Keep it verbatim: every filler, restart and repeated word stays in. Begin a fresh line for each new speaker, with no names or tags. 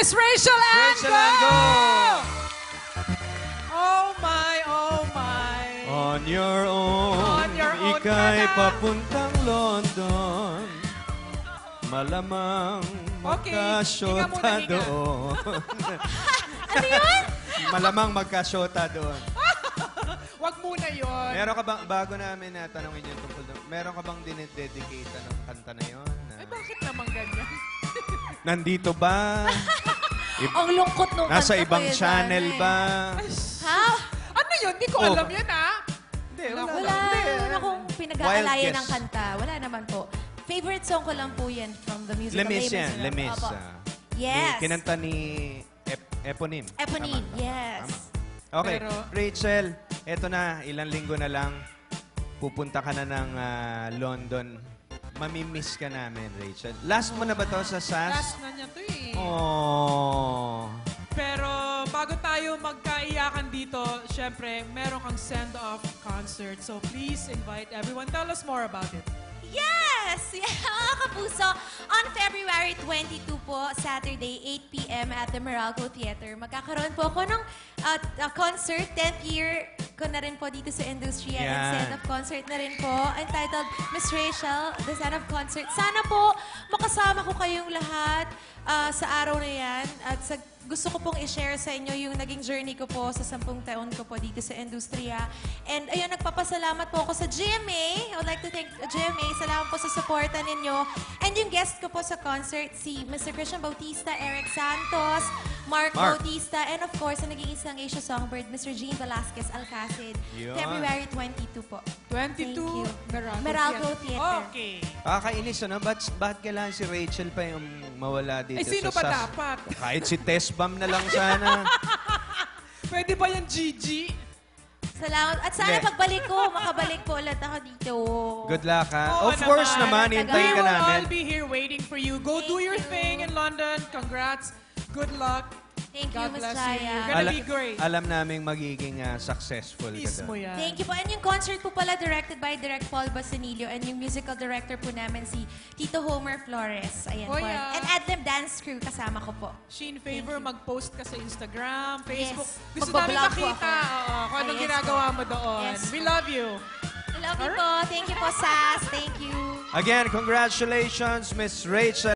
Miss Rachel Ango!
Rachel Ango!
Oh my, oh my.
On your own,
On your own
ika'y
ka na.
papuntang London. Malamang
Okay, hinga
magkasyota
muna, hinga.
doon.
Ano yun?
Malamang magkasyota doon.
Wag muna yun.
Meron ka bang, bago namin na tanongin yung tungkol doon, meron ka bang dinededicate ng kanta na yun? Na,
Ay, bakit naman ganyan?
nandito ba? I-
Ang lungkot nung
nasa
kanta
ibang
ko yun,
channel
Dana,
ba?
eh. Ha?
Ano yun? Di ko
Oh.
alam yun, ha?
Hindi,
Wala.
wala.
Wala
Hindi.
naman akong
Wild
pinag-aalayan
guess.
ng kanta. Wala naman po. Favorite song ko lang po yan from the musical
Lemis
labels.
yan, Lemis.
Opo.
ah.
Yes.
Ni- Kinanta ni Ep- Eponym.
Eponine,
Tama.
yes.
Tama. Okay,
Pero-
Rachel, eto na, ilang linggo na lang, pupunta ka na ng ah, London. Mamimiss ka namin, Rachel. Last mo na ba to sa S A S?
Last na niya to eh.
Oh.
Pero bago tayo magkaiyakan dito, syempre, meron kang send-off concert. So please invite everyone. Tell us more about it.
Yes! Yeah, mga kapuso, on February twenty-two po, Saturday, eight p m at the Meralco Theater. Magkakaroon po ako ng uh, uh, concert, tenth year ko na rin po dito sa industriya.
Yan.
And send-off concert na rin po, entitled Miss Rachel, the send-off concert. Sana po makasama ko kayong lahat uh, sa araw na yan. At sa gusto ko pong i-share sa inyo yung naging journey ko po sa sampung taon ko po dito sa industriya. And ayun, nagpapasalamat po ako sa G M A. I would like to thank G M A. Salamat po sa suporta ninyo. And yung guest ko po sa concert, si Mister Christian Bautista, Eric Santos, Mark,
Mark.
Bautista, and of course, ang nag-iisang Asia Songbird, Mister Gene Velasquez Alcacid.
Yun.
February twenty-two po.
twenty-two,
Thank you.
Meralco,
Meralco Theater.
Okay.
Kakainis, ano? Ba't, ba't kailangan si Rachel pa yung mawala dito
Eh, sino
sa
ba
S A S?
dapat?
Kahit si Tess Bam na lang sana.
Pwede ba yung Gigi?
Salamat. At sana
Hindi.
pagbalik ko, makabalik po ulit ako dito.
Good luck, ha?
Oo
Of course naman,
naman.
hintayin
We
ka
will
namin.
all be here waiting for you. Go do
Thank
your
you.
thing in London. Congrats. Good luck.
Thank you,
God
Miss
bless you.
Chaya.
You're gonna
Ala-
be great.
alam namin magiging ah, successful ka
Mismo
doon.
yan.
Thank you po. And yung concert po pala directed by Direct Paul Basanillo and yung musical director po namin si Tito Homer Flores. Ayan
Oh,
po.
yeah.
And Adlib Dance Crew kasama ko po.
Sheen, favor,
Thank you.
mag-post ka sa Instagram, Facebook.
Yes.
Gusto namin
Magbablog po
makita
ako.
oo, kung anong
Yes
ginagawa
po.
mo doon.
Yes
We
po.
love you.
I love you po. Thank you po, Sas. Thank you.
Again, congratulations, Miss Rachel.